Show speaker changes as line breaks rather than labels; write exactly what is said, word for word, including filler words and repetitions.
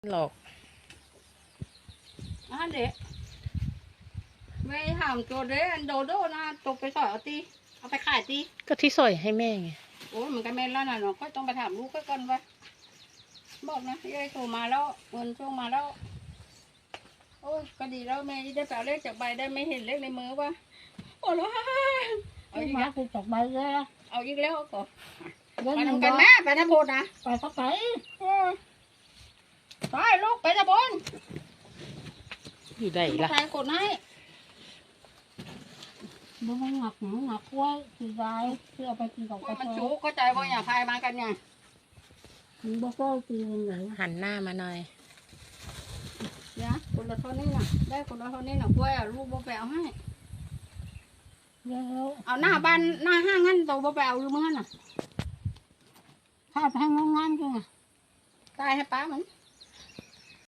หลอก
อ่ะเด็กไม่ถามตัวเด็กโดโดนะตกไปสอยเอาตีเอาไปขายตี
ก็ที่สอยให้แม่ไง
โอ้มันก็แม่นแล้วนะเนาะก็ต้องไปถามลูกก็ก่อนว่าบอกนะยายโทรมาแล้วเงินช่วงมาแล้วโอ้ยก็ดีแล้วแม่ได้แปลเลขจากใบได้ไม่เห็นเลขในมือวะโอ้แล้วเอาอีกแล้ว
คือจากใบแล้ว
เอาอีกแล้วก็
เงิน
ไป
หนึ่ง
ทำกันแม่ไปทำโพดนะ
ไปก็ไป
ไปลูกไปทำบน
อยู่ไหนล่ะ
ใครกดให้
มันหนักหนักหนักกล้วยคือยายเพื่อไปกินกับ
กล้วย
กาแฟ
มันจุกเข้าใจว่าอย่าพายมากันไง
มันบ่ก็ตีมันไหน
หันหน้ามาหน่อย
เนี่ยคนละเท่านี้น่ะได้คนละเท่านี้น่ะกล้วยอ่ะลูกบ่ไปเอาให้
แล้ว
เอาหน้าบ้านหน้าห้างงั้นตัวบ่ไปเอาอยู่มั้งน่ะ
ถ้าแพงงานๆก็
ตายให้ป้ามัน